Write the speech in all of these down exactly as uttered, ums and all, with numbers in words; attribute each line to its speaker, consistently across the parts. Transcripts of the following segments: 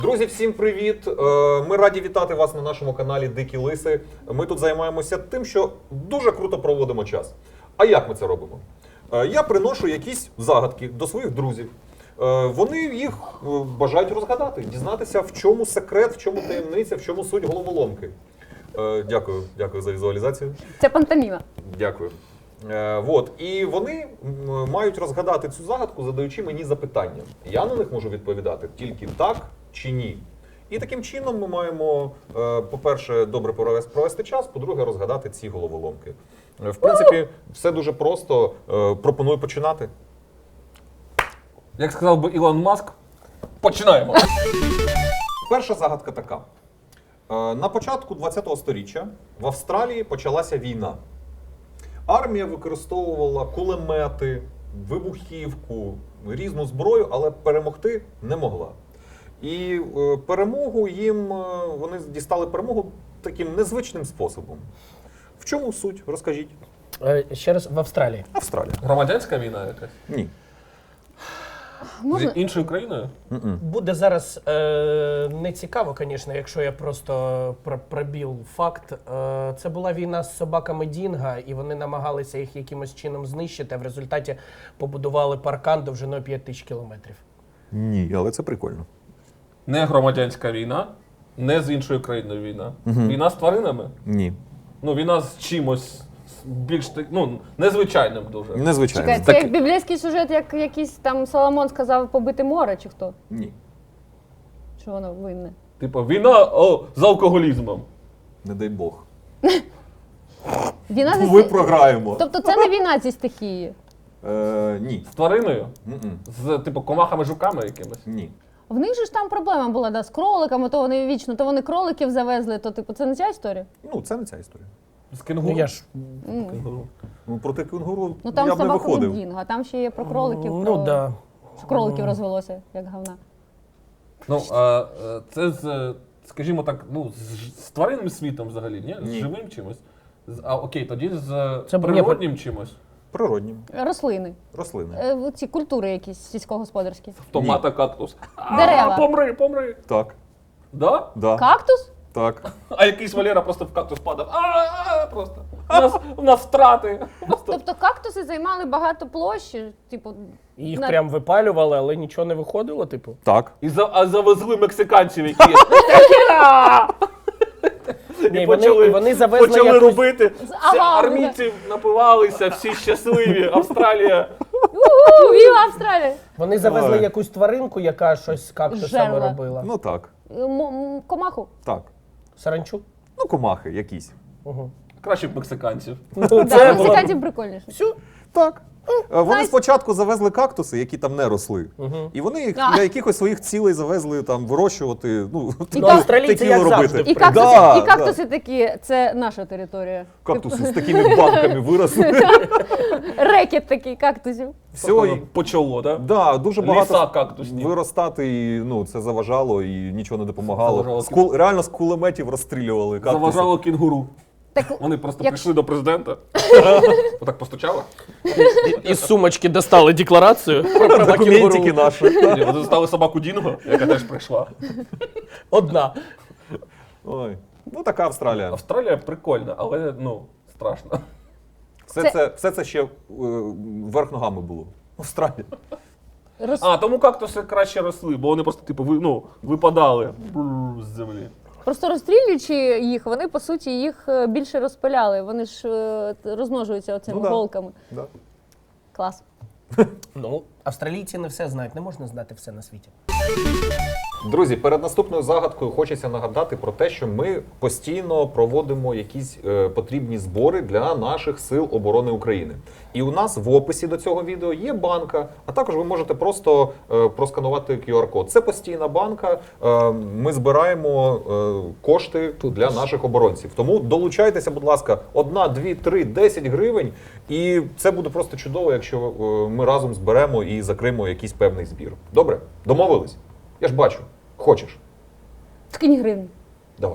Speaker 1: Друзі, всім привіт! Ми раді вітати вас на нашому каналі Дикі Лиси. Ми тут займаємося тим, що дуже круто проводимо час. А як ми це робимо? Я приношу якісь загадки до своїх друзів. Вони їх бажають розгадати, дізнатися, в чому секрет, в чому таємниця, в чому суть головоломки. Дякую, дякую за візуалізацію.
Speaker 2: Це пантоміма.
Speaker 1: Дякую. Вот. І вони мають розгадати цю загадку, задаючи мені запитання. Я на них можу відповідати тільки так чи ні. І таким чином ми маємо, по-перше, добре провести час, по-друге, розгадати ці головоломки. В принципі, все дуже просто. Пропоную починати.
Speaker 3: Як сказав би Ілон Маск, починаємо.
Speaker 1: Перша загадка така. На початку ХХ століття в Австралії почалася війна. Армія використовувала кулемети, вибухівку, різну зброю, але перемогти не могла. І перемогу їм, вони дістали перемогу таким незвичним способом. В чому суть? Розкажіть.
Speaker 4: Ще раз, в Австралії.
Speaker 1: Австралія.
Speaker 3: Громадянська війна якась?
Speaker 1: Ні.
Speaker 2: Можна?
Speaker 3: З іншою країною?
Speaker 1: Mm-mm.
Speaker 4: Буде зараз е, не цікаво, звісно, якщо я просто пробіл факт. Е, це була війна з собаками Дінго, і вони намагалися їх якимось чином знищити, а в результаті побудували паркан довжиною п'ять тисяч кілометрів.
Speaker 1: Ні, але це прикольно.
Speaker 3: Не громадянська війна, не з іншою країною війна.
Speaker 1: Угу.
Speaker 3: Війна з тваринами?
Speaker 1: Ні.
Speaker 3: Ну, війна з чимось більш, ну, незвичайним дуже.
Speaker 1: Незвичайно.
Speaker 2: Чекай, це
Speaker 1: Так...
Speaker 2: як біблійський сюжет, як якийсь там Соломон сказав побити море, чи хто?
Speaker 1: Ні.
Speaker 2: Що воно винне?
Speaker 3: Типу, війна о, з алкоголізмом.
Speaker 1: Не дай Бог.
Speaker 2: Війна зі
Speaker 1: Ви
Speaker 2: сті-
Speaker 1: програємо.
Speaker 2: Тобто це не війна зі стихії.
Speaker 1: Е, ні.
Speaker 3: З твариною?
Speaker 1: Mm-mm.
Speaker 3: З, типу, комахами-жуками якимось?
Speaker 1: Ні.
Speaker 2: В них же ж там проблема була, да, з кроликами, то вони вічно, то вони кроликів завезли, то типу це не ця історія?
Speaker 1: Ну, це не ця історія.
Speaker 3: З кенгуру?
Speaker 4: Ну я ж.
Speaker 2: М.
Speaker 3: Кенгуру.
Speaker 1: Ну, проти кенгуру
Speaker 2: Ну там
Speaker 1: я б не
Speaker 2: собака
Speaker 1: виходив.
Speaker 2: Дінго, а там ще є про кроликів,
Speaker 4: Ну
Speaker 2: про...
Speaker 4: так. Да.
Speaker 2: що кроликів розвелося, як говна.
Speaker 3: Ну, а, е, це з, скажімо так, ну, з, з тваринним світом взагалі, ні? З
Speaker 1: Ні.
Speaker 3: живим чимось? З, а окей, тоді з
Speaker 4: Це б-
Speaker 3: природнім чимось?
Speaker 1: Природні.
Speaker 2: Рослини.
Speaker 1: Рослини.
Speaker 2: Е, ці культури якісь сільськогосподарські.
Speaker 3: Томата, кактус.
Speaker 2: Дерева.
Speaker 3: А, помри, помри.
Speaker 1: Так.
Speaker 3: Да?
Speaker 1: Да.
Speaker 2: Кактус?
Speaker 1: Так.
Speaker 3: А якийсь Валера просто в кактус падав. А, просто. У нас, у нас втрати. Просто.
Speaker 2: Тобто кактуси займали багато площі, типу...
Speaker 4: І їх
Speaker 2: на-
Speaker 4: прям випалювали, але нічого не виходило, типу.
Speaker 1: Так.
Speaker 3: І за, а завезли мексиканців, які
Speaker 4: Ні,
Speaker 3: і
Speaker 4: вони,
Speaker 3: почали,
Speaker 4: і вони завезли
Speaker 3: почали
Speaker 4: якусь...
Speaker 3: робити. Всі
Speaker 2: Ага,
Speaker 3: армійці напивалися, всі щасливі. Австралія.
Speaker 2: У-у-у, віва Австралія!
Speaker 4: Вони завезли
Speaker 1: Ой.
Speaker 4: якусь тваринку, яка щось з кактусами
Speaker 2: Жерла.
Speaker 4: робила.
Speaker 1: Ну так.
Speaker 2: М- м- комаху.
Speaker 1: Так.
Speaker 4: Саранчу?
Speaker 1: Ну, комахи якісь.
Speaker 4: Угу.
Speaker 3: Краще б мексиканців.
Speaker 4: Ну,
Speaker 2: Да,
Speaker 4: це було...
Speaker 2: мексиканців прикольніше.
Speaker 4: Все.
Speaker 1: Так. Е, Вони
Speaker 2: знаєш-
Speaker 1: спочатку завезли кактуси, які там не росли.
Speaker 4: Угу.
Speaker 1: І вони їх
Speaker 2: А.
Speaker 1: для якихось своїх цілей завезли там вирощувати, ну,
Speaker 2: І
Speaker 4: Ну,
Speaker 2: так-
Speaker 4: австралійці
Speaker 1: теquila
Speaker 4: як
Speaker 1: робити.
Speaker 4: завжди.
Speaker 2: І кактуси,
Speaker 1: Да,
Speaker 2: і кактуси такі, це наша територія.
Speaker 1: Кактуси з такими банками виросли.
Speaker 2: Рекет такий кактусів.
Speaker 1: Все, і,
Speaker 3: Почало, так?
Speaker 1: да, дуже
Speaker 3: Ліса
Speaker 1: багато
Speaker 3: кактусні.
Speaker 1: виростати, і ну, це заважало і нічого не допомагало.
Speaker 3: Заважало
Speaker 1: З кул, реально з кулеметів розстрілювали кактуси.
Speaker 3: Заважало кінгуру.
Speaker 2: Так,
Speaker 3: Вони просто
Speaker 2: Як-
Speaker 3: прийшли до президента. Отак постучали.
Speaker 4: Із сумочки достали декларацію про права
Speaker 1: Документики
Speaker 4: кінгуру.
Speaker 1: наші.
Speaker 3: Ні, Вони застали собаку Дінго, яка теж прийшла.
Speaker 4: Одна.
Speaker 1: Ой. Ну, така Австралія.
Speaker 3: Австралія прикольна, але ну, страшно.
Speaker 1: Все
Speaker 2: Це-
Speaker 1: це, все це ще е, вверх ногами було. Австралія.
Speaker 2: роз...
Speaker 3: А, тому кактуси краще росли, бо вони просто типу ви- ну, випадали бррр, з землі.
Speaker 2: Просто розстрілюючи їх, вони по суті їх е, більше розпиляли. Вони ж е, розмножуються оцими
Speaker 1: Ну да.
Speaker 2: голками.
Speaker 1: Да.
Speaker 2: Клас.
Speaker 4: Ну, австралійці не все знають, не можна знати все на світі.
Speaker 1: Друзі, перед наступною загадкою хочеться нагадати про те, що ми постійно проводимо якісь е, потрібні збори для наших сил оборони України. І у нас в описі до цього відео є банка, а також ви можете просто е, просканувати кю ар-код. Це постійна банка. Е, ми збираємо е, кошти для наших оборонців. Тому долучайтеся, будь ласка, одна, дві, три, десять гривень. І це буде просто чудово, якщо е, ми разом зберемо і закриємо якийсь певний збір. Добре? Домовились? Я ж бачу. Хочеш?
Speaker 2: Скинь гривень.
Speaker 1: Давай.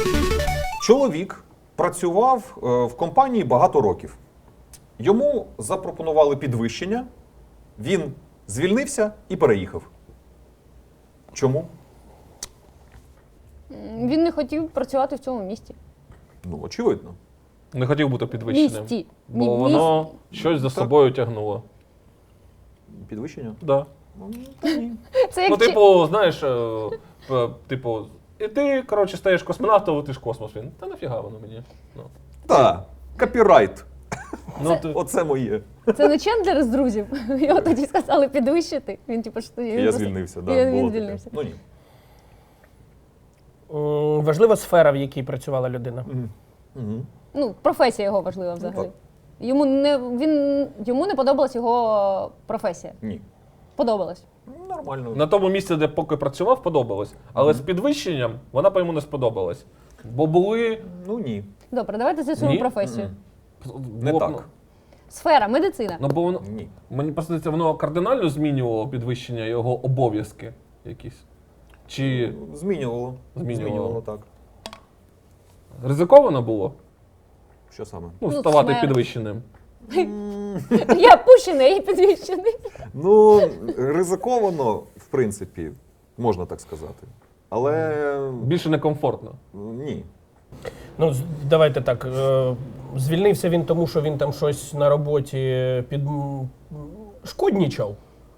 Speaker 1: Чоловік працював е, в компанії багато років. Йому запропонували підвищення, він звільнився і переїхав. Чому?
Speaker 2: Він не хотів працювати в цьому місті.
Speaker 1: Ну, очевидно.
Speaker 3: Не хотів бути підвищеним.
Speaker 2: Місті.
Speaker 3: Бо
Speaker 2: Ні,
Speaker 3: воно щось за
Speaker 1: Так.
Speaker 3: собою тягнуло.
Speaker 1: Підвищення?
Speaker 3: Да.
Speaker 2: Це як
Speaker 3: Ну,
Speaker 2: чи-
Speaker 3: типу, знаєш, е, п- типу, і ти, коротше, стаєш космонавтом, летиш в космос. Він, та нафіга воно мені. Ну,
Speaker 1: Так, копірайт.
Speaker 3: ну ти,
Speaker 1: Оце моє.
Speaker 2: Це не Чендлер з друзів. Його тоді сказали підвищити. Він типу, що
Speaker 1: І я звільнився, да,
Speaker 2: І
Speaker 1: було
Speaker 2: він
Speaker 1: таке.
Speaker 2: звільнився.
Speaker 1: Ну ні.
Speaker 4: М, Важлива сфера, в якій працювала людина.
Speaker 1: Угу.
Speaker 2: Ну, професія його важлива взагалі.
Speaker 1: так.
Speaker 2: Йому не він йому не подобалась його професія.
Speaker 1: Ні.
Speaker 2: Подобалась.
Speaker 1: Нормально.
Speaker 3: на тому місці, де поки працював, подобалось. Але з підвищенням вона по йому не сподобалась. Бо були.
Speaker 1: Ну ні.
Speaker 2: Добре, давайте з'ясуємо
Speaker 3: Ні?
Speaker 2: професію.
Speaker 1: Не
Speaker 3: бо-
Speaker 1: так.
Speaker 2: Сфера, медицина.
Speaker 3: Ну, бо воно,
Speaker 1: Ні.
Speaker 3: мені просто здається, воно кардинально змінювало підвищення його обов'язки якісь. Чи
Speaker 1: Змінювало.
Speaker 3: Змінювало.
Speaker 1: Змінювало, так.
Speaker 3: ризиковано було?
Speaker 1: Що саме?
Speaker 3: Ну,
Speaker 2: Ну,
Speaker 3: ставати
Speaker 2: смерть.
Speaker 3: підвищеним.
Speaker 2: Я пущений і підвищений.
Speaker 1: Ну, ризиковано, в принципі, можна так сказати. Але
Speaker 3: Більше некомфортно.
Speaker 1: ні.
Speaker 4: Ну, з- давайте так. е, Звільнився він тому, що він там щось на роботі під м, шкоднічав.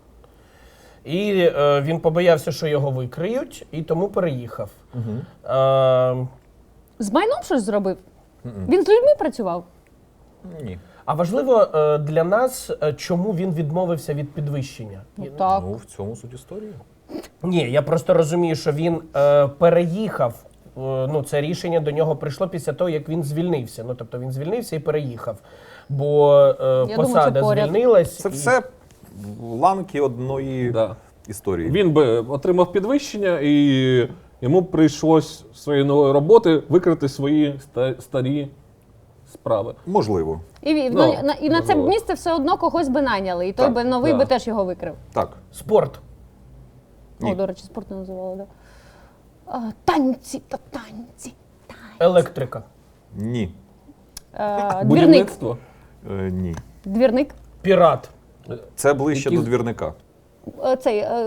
Speaker 4: І е, він побоявся, що його викриють, і тому переїхав.
Speaker 1: Угу.
Speaker 4: Е,
Speaker 2: З майном щось зробив? Він з людьми працював?
Speaker 1: Ні.
Speaker 4: а важливо е, для нас, е, чому він відмовився від підвищення.
Speaker 2: Ну, так.
Speaker 1: Ну, в цьому суть історії.
Speaker 4: Ні, я просто розумію, що він е, переїхав. Е, ну, це рішення до нього прийшло після того, як він звільнився. Ну, тобто він звільнився і переїхав. Бо е,
Speaker 2: думаю,
Speaker 4: посада
Speaker 2: це поряд.
Speaker 4: звільнилась.
Speaker 1: Це
Speaker 4: і-
Speaker 1: все ланки одної
Speaker 3: Да.
Speaker 1: історії.
Speaker 3: Він би отримав підвищення, і йому прийшлось з своєї нової роботи викрити свої ста- старі справи.
Speaker 1: Можливо.
Speaker 2: І, він-
Speaker 3: Ну,
Speaker 2: ну, на, і на це
Speaker 3: можливо.
Speaker 2: місце все одно когось би найняли. І той
Speaker 1: Так,
Speaker 2: би новий
Speaker 3: да.
Speaker 2: би теж його викрив.
Speaker 1: Так.
Speaker 4: Спорт.
Speaker 1: Ні.
Speaker 2: О, до речі, спорт не називали, да. А, танці та танці.
Speaker 4: Електрика.
Speaker 1: Ні.
Speaker 2: А, двірник.
Speaker 3: Будівництво.
Speaker 1: Е, ні.
Speaker 2: Двірник.
Speaker 4: Пірат.
Speaker 1: Це ближче
Speaker 3: Які-
Speaker 1: до двірника.
Speaker 2: Е, Цей, е,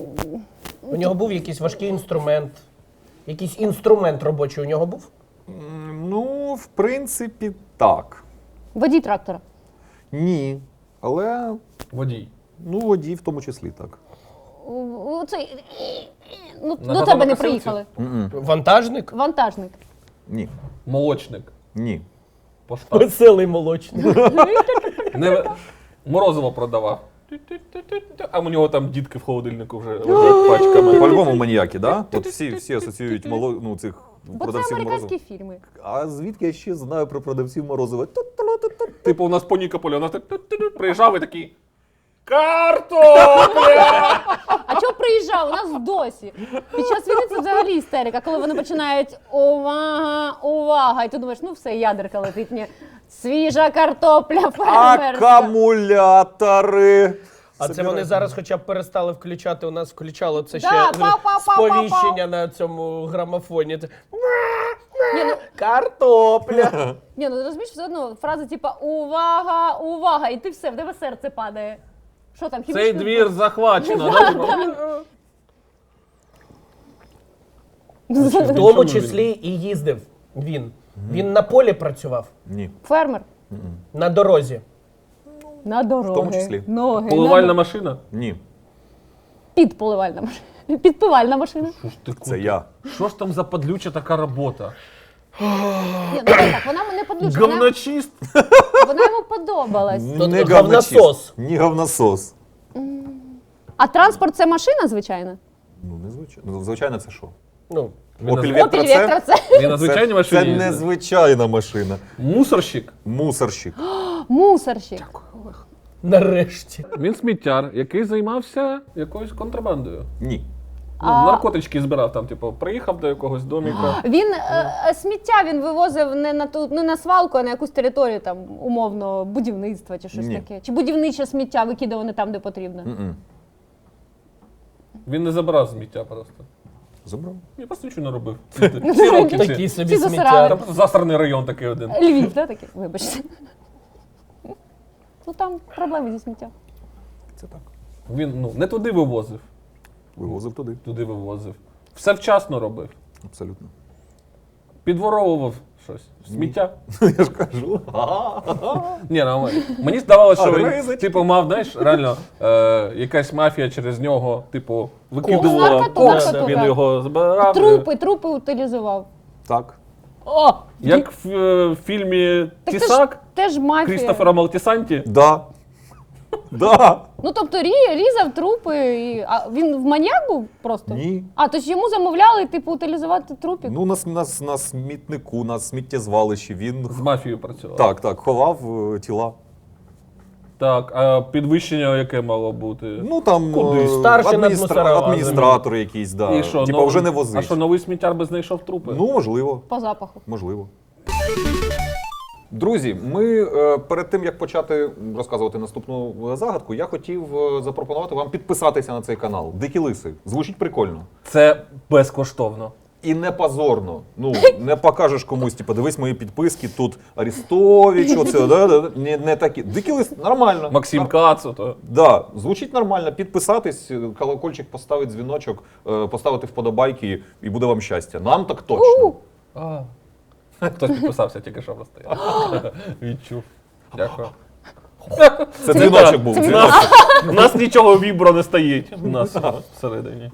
Speaker 4: У нього був якийсь важкий інструмент. Якийсь інструмент робочий у нього був?
Speaker 1: М, Ну, в принципі, так.
Speaker 2: водій трактора.
Speaker 1: Ні. Але,
Speaker 3: Водій.
Speaker 1: ну, водій в тому числі так.
Speaker 2: У- у Цей, ну,
Speaker 3: На
Speaker 2: до тебе не
Speaker 3: газонокосилці?
Speaker 2: приїхали.
Speaker 1: М-м.
Speaker 4: Вантажник?
Speaker 2: Вантажник.
Speaker 1: Ні.
Speaker 3: Молочник.
Speaker 1: Ні.
Speaker 3: Постав.
Speaker 4: Веселий молочник.
Speaker 3: Не... Морозиво продавав. А у нього там дітки в холодильнику вже лежать пачками.
Speaker 1: По-любому маніяки, да? От всі, всі асоціюють мало, ну, цих
Speaker 2: Бо це
Speaker 1: продавців
Speaker 2: американські
Speaker 1: морозива.
Speaker 2: фільми.
Speaker 1: А звідки я ще знаю про продавців морозива?
Speaker 3: Типу, у нас по Нікополю, у нас так приїжджав і такий. Картопля!
Speaker 2: А чого приїжджав? У нас досі. Під час війни це взагалі істерика, коли вони починають увага, увага. І ти думаєш, ну все, ядерка летить. Ні. Свіжа картопля фермерська.
Speaker 1: Акумулятори.
Speaker 4: А це вони зараз хоча б перестали включати. У нас включало це ще
Speaker 2: Да,
Speaker 4: е,
Speaker 2: пау-пау-пау-пау-пау.
Speaker 4: сповіщення на цьому грамофоні. Це
Speaker 2: Ні, ну,
Speaker 4: картопля.
Speaker 2: ні, ну розумієш, все одно фраза типа увага, увага, і ти все, в тебе серце падає. Що там,
Speaker 3: Цей
Speaker 2: хімічний
Speaker 3: двір захвачено. да, типу?
Speaker 4: В тому числі і їздив він. Він на полі працював,
Speaker 1: Ні.
Speaker 2: Фермер.
Speaker 4: на дорозі.
Speaker 2: На дороги.
Speaker 1: тому числі.
Speaker 2: Ноги.
Speaker 3: Поливальна
Speaker 2: на...
Speaker 3: машина?
Speaker 1: Ні.
Speaker 2: Підполивальна машина. Підпивальна машина.
Speaker 3: Що ж ти
Speaker 1: Це я.
Speaker 3: Що ж там за подлюча така робота?
Speaker 2: Ні, ну так, вона не подлюча, вона,
Speaker 3: Говночист?
Speaker 2: вона йому подобалась.
Speaker 4: Тут
Speaker 1: Не
Speaker 4: говносос.
Speaker 1: говночист. Ні говносос.
Speaker 2: А транспорт це машина, звичайно?
Speaker 1: Ну, не звичайно. Ну, звичайно, це що?
Speaker 4: Ну,
Speaker 3: Він
Speaker 1: Opel
Speaker 3: на-
Speaker 1: Vectra
Speaker 2: Опіль
Speaker 1: це?
Speaker 2: Вектор це
Speaker 3: Він на звичайній
Speaker 1: Це,
Speaker 3: машині
Speaker 1: це
Speaker 3: їздить?
Speaker 1: незвичайна машина.
Speaker 3: Мусорщик?
Speaker 1: Мусорщик.
Speaker 2: мусорщик.
Speaker 4: нарешті.
Speaker 3: Він сміттяр, який займався якоюсь контрабандою.
Speaker 1: Ні.
Speaker 3: Ну, наркотички збирав там, типу, приїхав до якогось доміка.
Speaker 2: Він е, е, сміття він вивозив не на ту, не на свалку, а на якусь територію там умовно будівництва чи щось
Speaker 1: Ні.
Speaker 2: таке. Чи будівниче сміття викидав не там, де потрібно.
Speaker 1: М-м.
Speaker 3: Він не забирав сміття просто.
Speaker 1: Забрав.
Speaker 3: Він просто нічого не робив. Всі, всі роки всі.
Speaker 4: Такий собі
Speaker 2: Всі засирали.
Speaker 4: сміття.
Speaker 3: Там засраний район такий один.
Speaker 2: Львів, да, такий? Вибачте. Ну там проблеми зі сміттям.
Speaker 1: Це так.
Speaker 3: Він ну, не туди вивозив,
Speaker 1: Вивозив туди.
Speaker 3: туди вивозив. Все вчасно робив.
Speaker 1: Абсолютно.
Speaker 3: підворовував щось. Сміття.
Speaker 1: Я ж кажу.
Speaker 3: Ні, ну, мені здавалося, що
Speaker 1: А,
Speaker 3: він,
Speaker 1: ризочки.
Speaker 3: типу, мав, знаєш, реально, е, якась мафія через нього, типу, викидувала
Speaker 2: Наркоту,
Speaker 3: кокс,
Speaker 2: наркоту,
Speaker 3: він
Speaker 2: так.
Speaker 3: його збирав.
Speaker 2: Трупи, трупи утилізував.
Speaker 1: Так.
Speaker 2: О!
Speaker 3: Як в е, фільмі
Speaker 2: Так це ж
Speaker 3: Тісак
Speaker 2: теж мафія.
Speaker 3: Крістофера Малтісанті.
Speaker 1: Да. Да.
Speaker 2: Ну тобто рі- різав трупи. І... А він в маньяк був просто?
Speaker 1: Ні.
Speaker 2: А, то ж йому замовляли, типу, утилізувати трупів?
Speaker 1: Ну, на, с- на, с- на смітнику, на сміттєзвалищі він
Speaker 3: З мафією працював.
Speaker 1: так, так, ховав е, тіла.
Speaker 3: Так, а підвищення яке мало бути?
Speaker 1: Ну там
Speaker 3: Куди?
Speaker 1: е,
Speaker 4: Старший над
Speaker 1: адміністра-
Speaker 4: мусорова,
Speaker 1: адміністратор якийсь, да.
Speaker 3: І що,
Speaker 1: Типа
Speaker 3: новий-
Speaker 1: вже не
Speaker 3: А
Speaker 1: возить.
Speaker 3: що, новий сміттяр би знайшов трупи?
Speaker 1: Ну, можливо,
Speaker 2: По запаху.
Speaker 1: можливо. Друзі, ми е, перед тим як почати розказувати наступну е, загадку, я хотів е, запропонувати вам підписатися на цей канал. Дикі лиси. Звучить прикольно.
Speaker 3: Це безкоштовно.
Speaker 1: І не позорно. Ну, не покажеш комусь, типу, дивись мої підписки, тут Арестович, оце, да, да, не, не такі. Дикі лиси, нормально.
Speaker 3: Максим
Speaker 1: Нар-
Speaker 3: Кацу, то.
Speaker 1: Да, звучить нормально. Підписатись, колокольчик поставити, дзвіночок, е, поставити вподобайки, і буде вам щастя. Нам так точно.
Speaker 3: А. Хтось підписався тільки що просто. я Відчув. Дякую.
Speaker 1: Це дзвіночок був.
Speaker 2: Це
Speaker 1: Дзвіночок.
Speaker 3: У нас нічого вібро не стоїть. У нас всередині.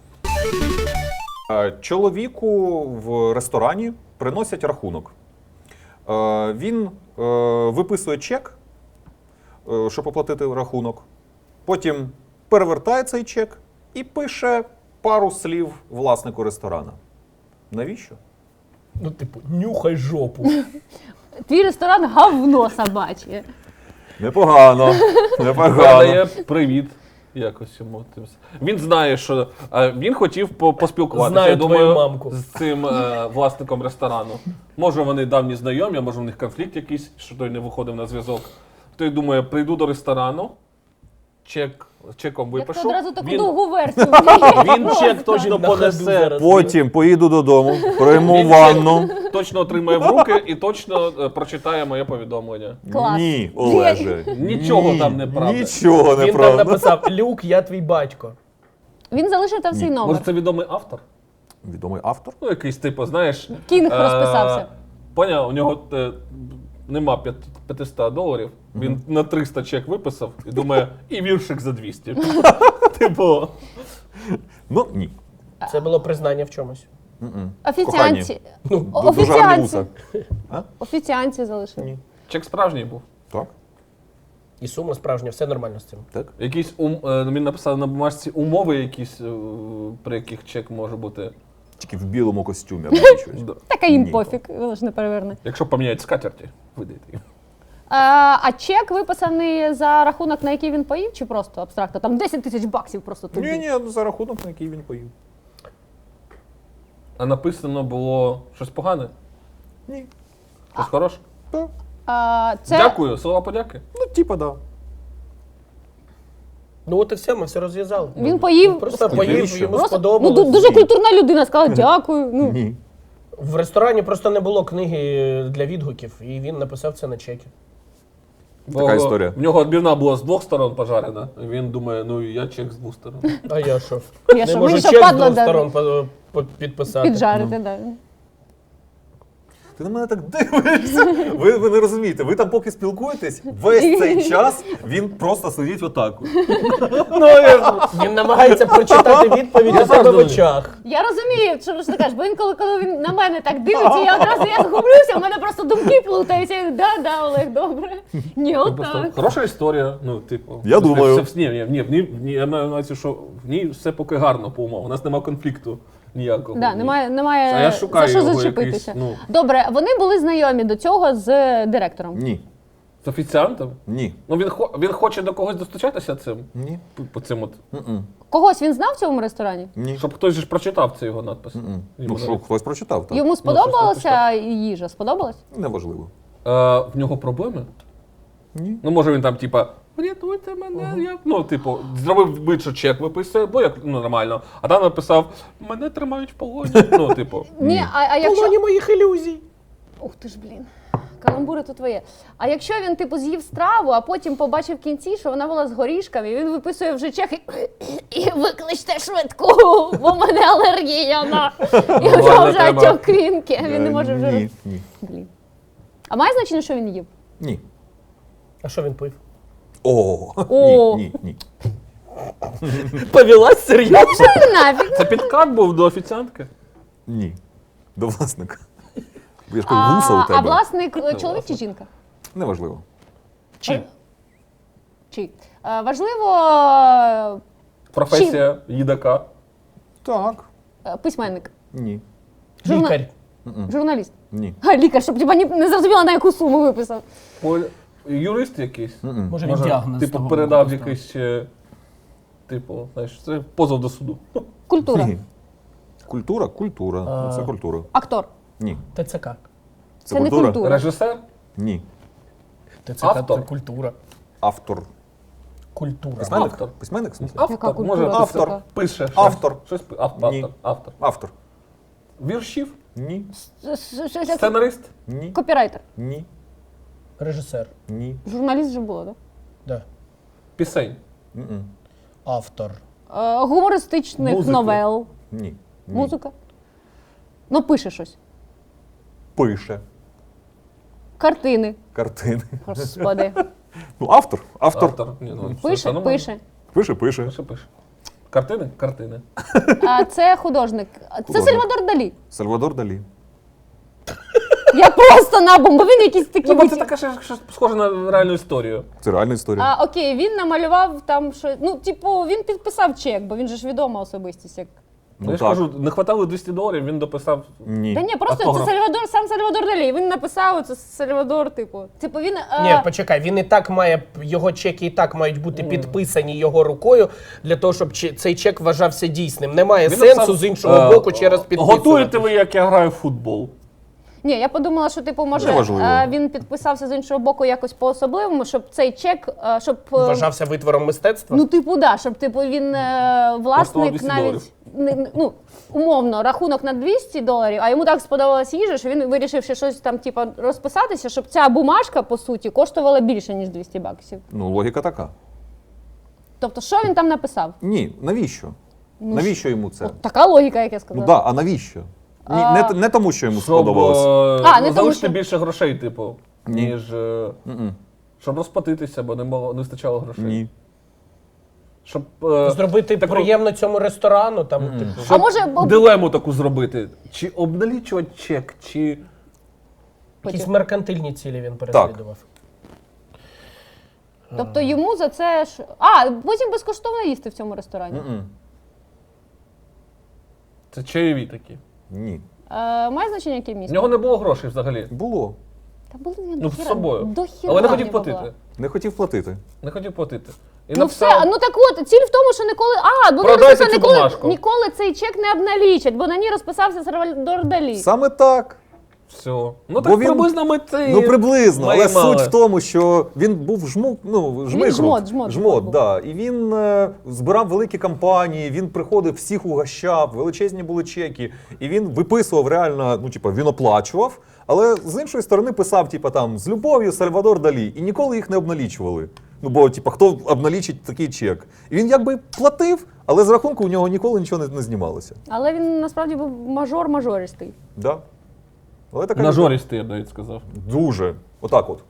Speaker 1: Е, Чоловіку в ресторані приносять рахунок. Е, Він е, виписує чек, е, щоб оплатити рахунок. Потім перевертає цей чек і пише пару слів власнику ресторана. Навіщо?
Speaker 4: Ну, типу, нюхай жопу.
Speaker 2: Твій ресторан говно собаче.
Speaker 1: Непогано. Непогано.
Speaker 3: Передає привіт. Якось йому тим. с- Він знає, що е, він хотів по- поспілкуватися.
Speaker 4: Знаю
Speaker 3: я
Speaker 4: твою
Speaker 3: думаю,
Speaker 4: мамку.
Speaker 3: з цим е, власником ресторану. Може, вони давні знайомі, а може в них конфлікт якийсь, що той не виходив на зв'язок. Той думає, прийду до ресторану, чек, чеком
Speaker 2: Як ти
Speaker 3: випишу.
Speaker 2: одразу таку
Speaker 3: Він,
Speaker 2: довгу версію.
Speaker 3: він чек точно
Speaker 4: На ходу
Speaker 3: понесе,
Speaker 4: зараз.
Speaker 1: Потім поїду додому, прийму
Speaker 3: Він
Speaker 1: ванну.
Speaker 3: точно отримає в руки і точно е, прочитає моє повідомлення.
Speaker 2: Клас.
Speaker 1: Ні, Олеже.
Speaker 3: Нічого
Speaker 1: ні,
Speaker 3: там неправда.
Speaker 1: Нічого
Speaker 4: Він там
Speaker 1: неправда.
Speaker 4: написав: Люк, я твій батько.
Speaker 2: Він залишив там свій
Speaker 3: Може,
Speaker 2: номер.
Speaker 3: це відомий автор?
Speaker 1: Відомий автор?
Speaker 3: Ну, якийсь, типу, знаєш.
Speaker 2: Кінг
Speaker 3: е,
Speaker 2: розписався.
Speaker 3: Поняв, у нього е, нема п'ят- п'ятсот доларів. Він на триста чек виписав і думає, і віршик за двісті. Типу,
Speaker 1: Ну, ні.
Speaker 4: Це було признання в чомусь.
Speaker 2: Офіціанці.
Speaker 1: Ду-
Speaker 2: О-
Speaker 1: Дуже гарні
Speaker 2: Офіціанці.
Speaker 1: вуса.
Speaker 2: Офіціанці залишив.
Speaker 1: Ні.
Speaker 3: чек справжній був.
Speaker 1: Так,
Speaker 4: І сума справжня, все нормально з цим.
Speaker 1: так.
Speaker 3: Якісь ум, е, він написав на бумажці умови, якісь, е, при яких чек може бути.
Speaker 1: Тільки в білому костюмі або щось.
Speaker 3: Да.
Speaker 2: Така їм
Speaker 1: Ні.
Speaker 2: пофіг, воно ж не переверне.
Speaker 3: Якщо поміняють скатерті, видайте їм.
Speaker 2: А, а чек виписаний за рахунок, на який він поїв, чи просто абстрактно? Там десять тисяч баксів просто тобі.
Speaker 1: Ні, ні, за рахунок, на який він поїв.
Speaker 3: А написано було щось погане?
Speaker 1: Ні.
Speaker 3: Щось хороше?
Speaker 1: Так.
Speaker 2: А, це...
Speaker 3: Дякую, слова подяки.
Speaker 1: Ну, типа, да.
Speaker 4: Ну от і все, ми все розв'язали.
Speaker 2: Він поїв.
Speaker 4: Просто
Speaker 1: Скільки
Speaker 4: поїв,
Speaker 1: ще?
Speaker 4: йому
Speaker 2: Просто, ну,
Speaker 4: сподобалось.
Speaker 2: ду- дуже культурна людина сказала дякую. Ну,
Speaker 1: Ні.
Speaker 4: В ресторані просто не було книги для відгуків, і він написав це на чекі.
Speaker 1: Така
Speaker 3: Бо
Speaker 1: історія.
Speaker 3: В нього відбивна була з двох сторон пожарена. І він думає, ну і я чек з двох сторон.
Speaker 4: А я що?
Speaker 2: Я
Speaker 4: Не
Speaker 2: що,
Speaker 4: можу
Speaker 2: мені що
Speaker 4: чек з
Speaker 2: падло
Speaker 4: двох
Speaker 2: дати?
Speaker 4: сторон по- по- підписати.
Speaker 2: Піджарити, да.
Speaker 1: Ти на мене так дивишся. Ви, ви не розумієте, ви там поки спілкуєтесь, весь цей час він просто сидить отак.
Speaker 3: Ну, я...
Speaker 4: Він намагається прочитати відповідь у себе в очах.
Speaker 2: Я розумію, що ти кажеш, бо інколи, коли він на мене так дивиться, я одразу я згублюся, в мене просто думки плутаються. Я, Да, да, Олег, добре. Ні,
Speaker 3: Просто
Speaker 2: отак.
Speaker 3: хороша історія. Ну, типу,
Speaker 1: Я
Speaker 3: все-
Speaker 1: думаю.
Speaker 3: все- ні, ні, ні, в ній, в ній- я маю на увазі, що в ній все поки гарно по умовах. У нас немає конфлікту ніякого.
Speaker 2: Да,
Speaker 3: Ні.
Speaker 2: немає, немає
Speaker 3: А я шукаю
Speaker 2: за що
Speaker 3: його
Speaker 2: зачепитися.
Speaker 3: якийсь, ну.
Speaker 2: Добре, вони були знайомі до цього з директором.
Speaker 1: Ні.
Speaker 3: З офіціантом?
Speaker 1: Ні.
Speaker 3: Ну він, хо- він хоче до когось достучатися цим.
Speaker 1: Ні.
Speaker 3: По, по цим от.
Speaker 1: М-м.
Speaker 2: Когось він знав в цьому ресторані?
Speaker 1: Ні.
Speaker 3: Щоб хтось же ж прочитав це його надпис.
Speaker 1: М-м.
Speaker 3: Йому
Speaker 1: Ну, що,
Speaker 3: навіть.
Speaker 1: хтось прочитав, так.
Speaker 2: Йому сподобалася їжа? Сподобалась?
Speaker 1: Неважливо.
Speaker 3: Е, в нього проблеми?
Speaker 1: Ні.
Speaker 3: Ну, може він там, типа, врятуйте мене, я. Ну, типу, зробив вид, що чек виписує, бо як ну, нормально. А там написав, мене тримають в полоні. Ну, типу.
Speaker 2: Ні, а, а
Speaker 4: В
Speaker 2: якщо...
Speaker 4: полоні моїх ілюзій.
Speaker 2: Ух ти ж, блін. Каламбури то твоє. А якщо він типу з'їв страву, а потім побачив в кінці, що вона була з горішками, він виписує вже чек і, і викличте швидку, бо в мене алергія на. І в нього вже
Speaker 3: треба.
Speaker 2: отек квінки, він не може вже.
Speaker 1: Ні,
Speaker 2: роз-
Speaker 1: ні.
Speaker 2: Блін. А має значення, що він їв?
Speaker 1: Ні.
Speaker 4: А що він пив?
Speaker 1: О,
Speaker 2: О.
Speaker 1: ні, ні, ні.
Speaker 4: Повелась серйозно?
Speaker 2: Нафіг.
Speaker 3: Це підкат був до офіціантки?
Speaker 1: Ні. До власника. Бо я ж кажу, вуса
Speaker 2: А,
Speaker 1: у тебе.
Speaker 2: а власник е, чоловік чи жінка?
Speaker 1: Неважливо.
Speaker 4: Чи?
Speaker 2: Чи? Е, Важливо е,
Speaker 3: Професія їдака.
Speaker 1: Так.
Speaker 2: е, письменник,
Speaker 1: Ні.
Speaker 2: Журна-
Speaker 4: Лікар.
Speaker 2: журналіст.
Speaker 1: Ні.
Speaker 2: А, лікар, щоб типа, ні- не зрозуміла, на яку суму виписав.
Speaker 3: Поль... Юрист якийсь?
Speaker 1: М-м.
Speaker 4: Може, він
Speaker 3: Може,
Speaker 4: діагноз
Speaker 3: типу,
Speaker 4: того
Speaker 3: передав
Speaker 4: поставив.
Speaker 3: якийсь ще, типу, знаєш, це позов до суду.
Speaker 2: Культура.
Speaker 1: Ні. Культура, культура.
Speaker 4: А.
Speaker 1: Ну, Це культура.
Speaker 2: Актор.
Speaker 1: Ні.
Speaker 4: ТЦК.
Speaker 2: Це не культура.
Speaker 3: Режисер?
Speaker 1: Ні.
Speaker 4: ТЦК
Speaker 3: Автор.
Speaker 4: це культура.
Speaker 1: Автор.
Speaker 4: Культура.
Speaker 1: Письменник?
Speaker 3: Автор.
Speaker 1: Письменник, в смысле?
Speaker 2: Яка
Speaker 3: Автор.
Speaker 2: культура
Speaker 3: Може,
Speaker 2: така?
Speaker 1: Автор.
Speaker 3: пише. щось.
Speaker 1: Автор.
Speaker 3: Щось пи- автор.
Speaker 1: Ні.
Speaker 3: Автор. Автор.
Speaker 1: Автор.
Speaker 3: Віршів?
Speaker 1: Ні.
Speaker 2: С- с- с- с-
Speaker 3: Сценарист?
Speaker 1: Ні.
Speaker 2: Копірайтер.
Speaker 1: Ні.
Speaker 4: Режисер.
Speaker 1: Ні.
Speaker 2: Журналіст вже було, так?
Speaker 4: Да.
Speaker 3: Пісень?
Speaker 1: М-м.
Speaker 4: Автор.
Speaker 2: Е, гумористичних
Speaker 3: Музики.
Speaker 2: новел.
Speaker 1: Ні. Ні.
Speaker 2: Музика. Ну, пише щось.
Speaker 1: Пише.
Speaker 2: Картини.
Speaker 1: Картини.
Speaker 2: Господи.
Speaker 1: Ну, автор. Автор.
Speaker 3: Автор. Ні, ну, все,
Speaker 2: Пише,
Speaker 3: все нормально.
Speaker 2: пише.
Speaker 1: Пише, пише.
Speaker 3: Пише, пише. Картини? Картини.
Speaker 2: А це художник. Це
Speaker 1: Художник.
Speaker 2: Сальвадор Далі.
Speaker 1: Сальвадор Далі.
Speaker 2: Я просто набум, бо він якийсь такий.
Speaker 3: Ну, бо це
Speaker 2: витяг.
Speaker 3: таке щось щось схоже на реальну історію.
Speaker 1: Це реальна історія.
Speaker 2: А, окей, він намалював там що. Ну, типу, він підписав чек, бо він же ж відома особистість. Як...
Speaker 3: Ну, я ж кажу, не хватало двісті доларів, він дописав.
Speaker 1: Ні.
Speaker 2: Та ні, просто
Speaker 3: Автограф.
Speaker 2: це Сальвадор, сам Сальвадор Далі. Він написав, це Сальвадор, типу. Типу він. е,
Speaker 4: Ні, почекай, він і так має, його чеки і так мають бути підписані його рукою, для того, щоб че- цей чек вважався дійсним. Немає
Speaker 3: Він
Speaker 4: сенсу
Speaker 3: написав,
Speaker 4: з іншого
Speaker 3: е,
Speaker 4: боку через підписувати.
Speaker 3: Готуєте ви, як я граю в футбол?
Speaker 2: Ні, я подумала, що типу, може
Speaker 1: Неважливо.
Speaker 2: е, він підписався з іншого боку якось по-особливому, щоб цей чек, е, щоб. е,
Speaker 4: Вважався витвором мистецтва?
Speaker 2: Ну, типу, да, щоб типу він е, власник
Speaker 3: двісті
Speaker 2: навіть
Speaker 3: доларів.
Speaker 2: не- не- ну, умовно, рахунок на двісті доларів, а йому так сподобалась їжа, що він вирішив ще щось там, типу, розписатися, щоб ця бумажка, по суті, коштувала більше, ніж двісті баксів.
Speaker 1: Ну, логіка така.
Speaker 2: Тобто, що він там написав?
Speaker 1: Ні, навіщо?
Speaker 2: Ну,
Speaker 1: Навіщо йому це?
Speaker 2: От така логіка, як я
Speaker 1: Ну
Speaker 2: сказала.
Speaker 1: так, да, а навіщо? Ні, не, не тому, що йому
Speaker 3: Щоб
Speaker 1: сподобалось.
Speaker 3: е,
Speaker 2: А, не тому,
Speaker 3: залишити
Speaker 2: що-
Speaker 3: більше грошей, типу,
Speaker 1: Ні.
Speaker 3: ніж. е,
Speaker 1: М-м.
Speaker 3: Щоб розплатитися, бо не, було, не вистачало грошей.
Speaker 1: Ні.
Speaker 3: Щоб, е,
Speaker 4: Зробити
Speaker 3: таку-
Speaker 4: приємно цьому ресторану, там, типу.
Speaker 2: А
Speaker 3: щоб
Speaker 2: може, бо-
Speaker 3: дилему таку зробити. Чи обналічувати чек, чи.
Speaker 4: Якісь меркантильні цілі він переслідував.
Speaker 2: Тобто йому за це ж. А, потім безкоштовно їсти в цьому ресторані.
Speaker 1: М-м.
Speaker 3: Це чайові такі.
Speaker 1: Ні.
Speaker 2: Е, має значення, яке
Speaker 3: В
Speaker 2: місто?
Speaker 3: нього не було грошей взагалі.
Speaker 1: Було.
Speaker 2: Та були я
Speaker 3: Ну,
Speaker 2: до
Speaker 3: з
Speaker 2: хіра-
Speaker 3: собою.
Speaker 2: до хіра
Speaker 3: Але не
Speaker 2: в
Speaker 3: хотів
Speaker 2: нього
Speaker 3: платити.
Speaker 2: була.
Speaker 1: Не хотів платити.
Speaker 3: Не хотів платити. І
Speaker 2: Ну все,
Speaker 3: написав,
Speaker 2: ну так от, ціль в тому, що ніколи. А, бо
Speaker 3: Продайте
Speaker 2: написано,
Speaker 3: цю
Speaker 2: ніколи,
Speaker 3: бумажку.
Speaker 2: ніколи цей чек не обналічать, бо на ній розписався Сальвадор Далі.
Speaker 1: Саме так.
Speaker 3: все. Ну
Speaker 1: Бо
Speaker 3: так
Speaker 1: він-
Speaker 3: приблизно ми це.
Speaker 1: Ну приблизно, але
Speaker 3: Має-мали.
Speaker 1: суть в тому, що він був жмук, ну жмихрут.
Speaker 2: жмот, жмот,
Speaker 1: жмот,
Speaker 2: був.
Speaker 1: да. І він е, збирав великі кампанії, він приходив, всіх угощав, величезні були чеки. І він виписував реально, ну типа він оплачував, але з іншої сторони писав, типа там з любов'ю Сальвадор Далі, і ніколи їх не обналічували. Ну бо, типа, хто обналічить такий чек? І він якби платив, але з рахунку у нього ніколи нічого не, не знімалося.
Speaker 2: Але він насправді був мажор-мажористий.
Speaker 1: Да? Але така
Speaker 3: Нажористий, я б навіть сказав.
Speaker 1: Дуже. Отак от.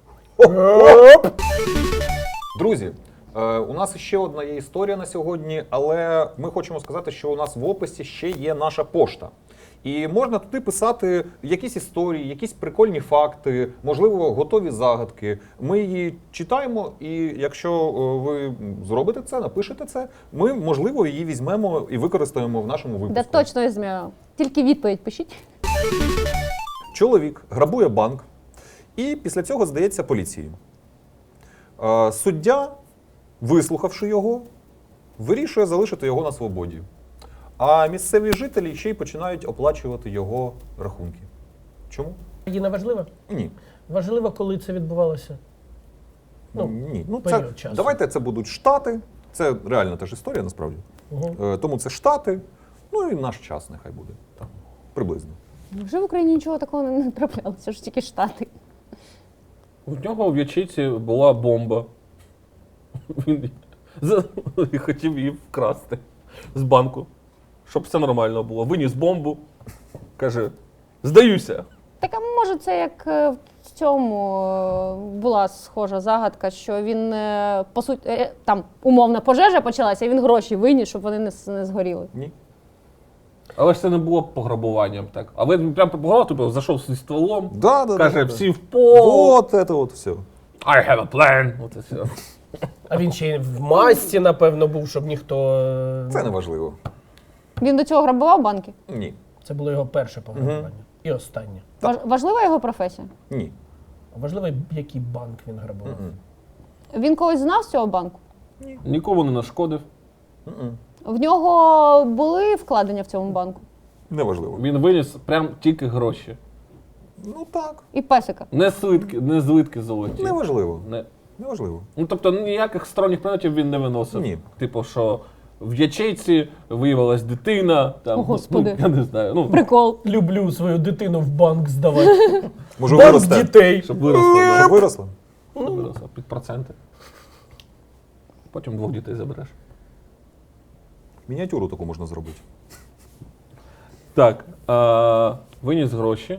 Speaker 1: Друзі, е, у нас ще одна є історія на сьогодні, але ми хочемо сказати, що у нас в описі ще є наша пошта. І можна туди писати якісь історії, якісь прикольні факти, можливо, готові загадки. Ми її читаємо, і якщо е, ви зробите це, напишете це, ми, можливо, її візьмемо і використаємо в нашому випуску.
Speaker 2: Да точно візьмемо. Тільки відповідь пишіть.
Speaker 1: Чоловік грабує банк і після цього здається поліції. Е, Суддя, вислухавши його, вирішує залишити його на свободі. А місцеві жителі ще й починають оплачувати його рахунки. Чому?
Speaker 4: Її не важливо?
Speaker 1: Ні.
Speaker 4: Важливо, коли це відбувалося. Ну,
Speaker 1: Ні. Ну, це,
Speaker 4: період часу.
Speaker 1: давайте це будуть Штати. Це реальна теж історія, насправді.
Speaker 4: Угу.
Speaker 1: Е, Тому це Штати, ну і наш час нехай буде. Там, приблизно.
Speaker 2: Вже в Україні нічого такого не траплялося, ж тільки Штати.
Speaker 3: У нього в ячейці була бомба. Він за- і хотів її вкрасти з банку, щоб все нормально було. Виніс бомбу, каже, здаюся.
Speaker 2: Так, а може це як е, в цьому е, була схожа загадка, що він, е, по суті, е, там умовна пожежа почалася, і він гроші виніс, щоб вони не, с- не згоріли.
Speaker 1: Ні.
Speaker 3: Але ж це не було пограбуванням, так. А він прям пограбував, тобто зайшов зі стволом,
Speaker 1: Да, да,
Speaker 3: каже,
Speaker 1: да, да.
Speaker 3: всі в пол,
Speaker 1: Вот это вот все.
Speaker 3: I have a plan. От і все.
Speaker 4: А він ще й в масці, напевно, був, щоб ніхто. е,
Speaker 1: Це не важливо.
Speaker 2: Він до цього грабував банки?
Speaker 1: Ні.
Speaker 4: Це було його перше пограбування. І останнє.
Speaker 2: Важ, важлива його професія?
Speaker 1: Ні.
Speaker 4: Важливо, який банк він грабував.
Speaker 1: Мгм.
Speaker 2: Він когось знав з цього банку?
Speaker 3: Нікому не нашкодив.
Speaker 1: Мгм.
Speaker 2: В нього були вкладення в цьому банку?
Speaker 1: Неважливо.
Speaker 3: Він виніс прям тільки гроші.
Speaker 1: Ну так.
Speaker 2: І песика?
Speaker 3: Не слитки, не злитки золоті.
Speaker 1: Неважливо.
Speaker 3: Не.
Speaker 1: Неважливо.
Speaker 3: Ну, тобто ніяких сторонніх предметів він не виносив.
Speaker 1: Ні.
Speaker 3: Типу, що в ячейці виявилась дитина, там,
Speaker 2: О, Господи.
Speaker 3: ну, я не знаю, ну,
Speaker 2: Прикол.
Speaker 4: Люблю свою дитину в банк здавати.
Speaker 1: Може
Speaker 4: Банк
Speaker 1: виросте.
Speaker 4: дітей.
Speaker 3: щоб виросла, да,
Speaker 1: Щоб виросла.
Speaker 3: щоб виросла під проценти. Потім двох дітей забереш.
Speaker 1: Мініатюру таку можна зробити.
Speaker 3: Так, е, виніс гроші,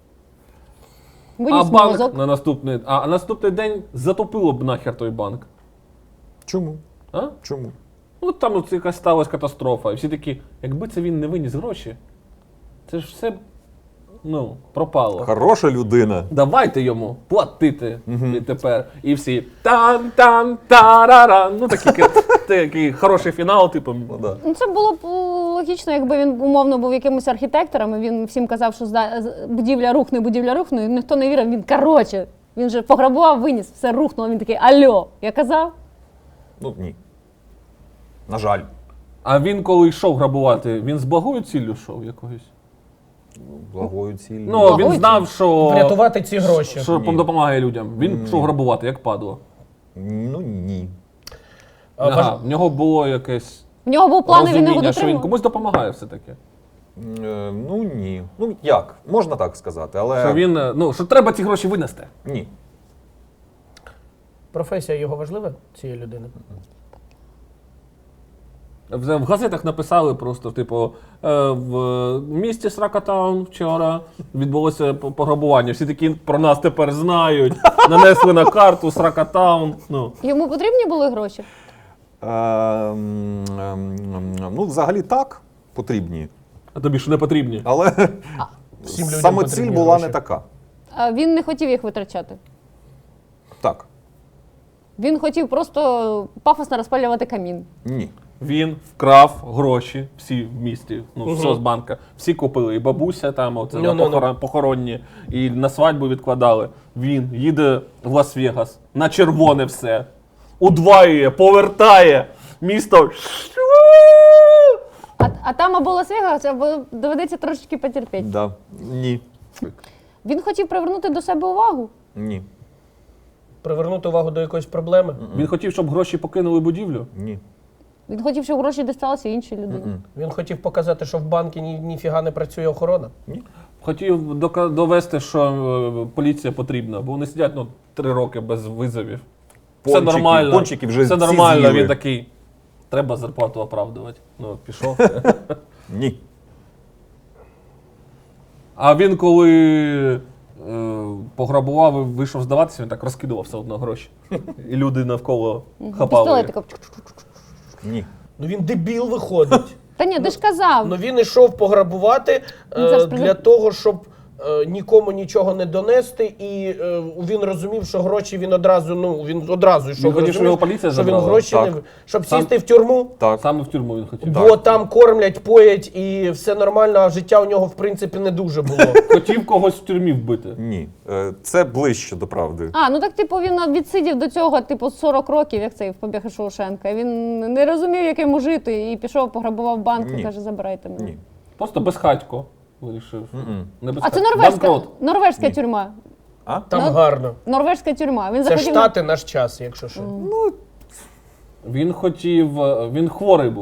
Speaker 3: а
Speaker 2: Виніс
Speaker 3: банк
Speaker 2: мозок.
Speaker 3: на наступний, а, а наступний день затопило б нахер той банк.
Speaker 1: Чому?
Speaker 3: А?
Speaker 1: Чому?
Speaker 3: Ну там от якась сталася катастрофа. І всі такі, якби це він не виніс гроші, це ж все ну, пропало.
Speaker 1: Хороша людина.
Speaker 3: Давайте йому платити відтепер. І всі там-там, тараран. Ну такий, такий хороший фінал, типу.
Speaker 1: Ну, да.
Speaker 2: Ну, це було б е, логічно, якби він умовно був якимось архітектором, і він всім казав, що зда- з- будівля рухне, будівля рухне, і ніхто не вірив, він короче. Він же пограбував, виніс, все рухнуло, він такий, альо, я казав?
Speaker 1: Ну ні. На жаль.
Speaker 3: А він, коли йшов грабувати, він з благою ціллю йшов якоюсь.
Speaker 1: Благою ціллю.
Speaker 3: Ну,
Speaker 2: Благою
Speaker 3: він знав, що,
Speaker 4: Врятувати ці гроші.
Speaker 3: що
Speaker 1: Ні.
Speaker 3: допомагає людям. Він йшов грабувати, як падло.
Speaker 1: Ну ні.
Speaker 4: А,
Speaker 3: Ага,
Speaker 4: важ-
Speaker 3: в нього було якесь
Speaker 2: В нього був план, і він його
Speaker 3: розуміння, що він
Speaker 2: дотримав.
Speaker 3: комусь допомагає все-таки.
Speaker 1: Е, ну ні. Ну як? Можна так сказати, але.
Speaker 3: Що він, е, ну, що треба ці гроші винести.
Speaker 1: Ні.
Speaker 4: Професія його важлива, цієї людини?
Speaker 3: В, в газетах написали просто, типу, е, в місті Сракатаун вчора відбулося п- пограбування. Всі такі про нас тепер знають. Нанесли на карту Сракатаун. Ну.
Speaker 2: Йому потрібні були гроші?
Speaker 1: Е, м, ем, ем, ну, взагалі так, потрібні.
Speaker 3: А тобі що не потрібні?
Speaker 1: Але
Speaker 4: Всім людям
Speaker 1: саме ціль
Speaker 4: потрібні
Speaker 1: була
Speaker 4: гроші.
Speaker 1: не така.
Speaker 2: А він не хотів їх витрачати.
Speaker 1: Так.
Speaker 2: Він хотів просто пафосно розпалювати камін.
Speaker 1: Ні.
Speaker 3: Він вкрав гроші всі в місті, ну, все з банка. Всі купили. І бабуся там, оце,
Speaker 4: Ну,
Speaker 3: на
Speaker 4: ну, ну.
Speaker 3: похорон- похоронні, і на свадьбу відкладали. Він їде в Лас-Вегас, на червоне все. Удваює, повертає. Місто.
Speaker 2: А, а там або Лас-Вегас, або доведеться трошечки потерпіти.
Speaker 1: Да. Ні.
Speaker 2: Він хотів привернути до себе увагу.
Speaker 1: Ні.
Speaker 4: Привернути увагу до якоїсь проблеми?
Speaker 3: Він хотів, щоб гроші покинули будівлю.
Speaker 1: Ні.
Speaker 2: Він хотів, щоб гроші дісталися іншій людині.
Speaker 1: Мгм.
Speaker 4: Він хотів показати, що в банку ні, ніфіга не працює охорона?
Speaker 3: Хотів дока- довести, що е, поліція потрібна, бо вони сидять ну, три роки без визовів. Все
Speaker 1: Пончики-
Speaker 3: нормально.
Speaker 1: пончики вже
Speaker 3: Все
Speaker 1: всі
Speaker 3: нормально,
Speaker 1: з'їли.
Speaker 3: він такий. Треба зарплату оправдувати. Ну, пішов.
Speaker 1: Ні.
Speaker 3: А він коли е, пограбував і вийшов здаватися, він так розкидував все одно гроші. І люди навколо хапали.
Speaker 2: Пістолет такий.
Speaker 1: Ні.
Speaker 4: Ну він дебіл виходить.
Speaker 2: Та ні, ти ж казав.
Speaker 4: Ну він ішов пограбувати
Speaker 2: Він
Speaker 4: е,
Speaker 2: зараз
Speaker 4: для
Speaker 2: пригад-
Speaker 4: того, щоб е, нікому нічого не донести, і е, він розумів, що гроші він одразу, ну він одразу йшов.
Speaker 3: Він хотів,
Speaker 4: розумів,
Speaker 3: щоб його поліція
Speaker 4: що він
Speaker 3: забрала?
Speaker 4: гроші
Speaker 1: Так.
Speaker 4: не щоб
Speaker 3: Сам-
Speaker 4: сісти в тюрму.
Speaker 1: Так.
Speaker 3: Саме в тюрму він хотів.
Speaker 4: Бо там кормлять, поять і все нормально, а життя у нього в принципі не дуже було.
Speaker 3: Хотів когось в тюрмі вбити.
Speaker 1: Ні. Е, Це ближче до правди.
Speaker 2: А, ну так, типу, він відсидів до цього, типу, сорок років, як цей в «Побіг із Шоушенка». Він не розумів, як йому жити, і пішов, пограбував банк і
Speaker 1: Ні.
Speaker 2: каже, забирайте мене.
Speaker 1: Ні.
Speaker 3: Просто безхатько вирішив.
Speaker 1: Мгм.
Speaker 3: Не
Speaker 2: А це
Speaker 3: безхатько.
Speaker 2: норвезька,
Speaker 3: Банкрот.
Speaker 2: норвезька
Speaker 1: Ні.
Speaker 2: тюрма.
Speaker 1: А?
Speaker 4: Там
Speaker 2: Ну,
Speaker 4: гарно.
Speaker 2: Норвезька тюрма. Він
Speaker 4: Це
Speaker 2: захотів...
Speaker 4: штати наш час, якщо що.
Speaker 3: Він хотів. Він хворий був.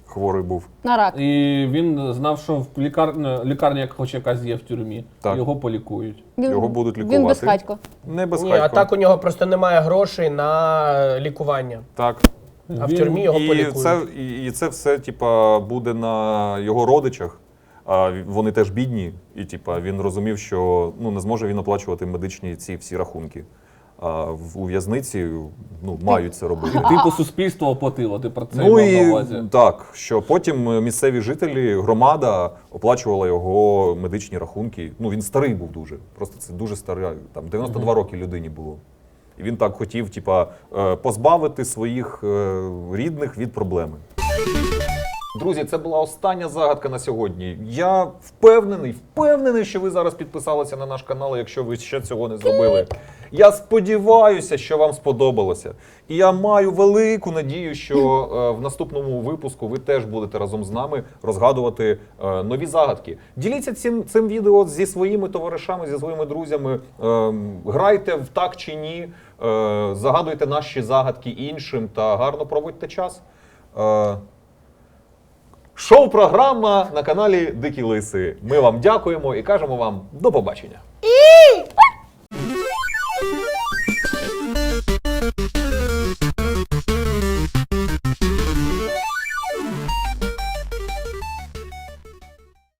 Speaker 5: хворий був.
Speaker 2: На рак.
Speaker 3: І він знав, що в лікарня, лікарня як хоч якась є в тюрмі,
Speaker 5: Так.
Speaker 3: його полікують.
Speaker 2: Він,
Speaker 5: Його будуть
Speaker 2: Він
Speaker 5: лікувати.
Speaker 2: безхатько.
Speaker 5: Не без
Speaker 4: Ні, а так у нього просто немає грошей на лікування.
Speaker 5: Так.
Speaker 4: А в
Speaker 3: Він-
Speaker 4: тюрмі його
Speaker 5: І
Speaker 4: полікують.
Speaker 5: це, і, і це все, типа, буде на його родичах. А вони теж бідні, і типа він розумів, що ну не зможе він оплачувати медичні ці всі рахунки. А в у в'язниці ну мають це робити.
Speaker 3: Типу суспільство оплатило, ти про це
Speaker 5: Ну
Speaker 3: мав на
Speaker 5: і
Speaker 3: увазі.
Speaker 5: так, що потім місцеві жителі, громада оплачувала його медичні рахунки. Ну він старий був дуже. Просто це дуже старий, там дев'яносто два роки людині було. І він так хотів, типа, е, позбавити своїх е, рідних від проблеми.
Speaker 1: Друзі, це була остання загадка на сьогодні. Я впевнений, впевнений, що ви зараз підписалися на наш канал, якщо ви ще цього не зробили. Я сподіваюся, що вам сподобалося. І я маю велику надію, що е, в наступному випуску ви теж будете разом з нами розгадувати е, нові загадки. Діліться цим, цим відео зі своїми товаришами, зі своїми друзями. Е, грайте в так чи ні, е, загадуйте наші загадки іншим та гарно проводьте час. Е, Шоу-програма на каналі Дикі Лиси. Ми вам дякуємо і кажемо вам до побачення.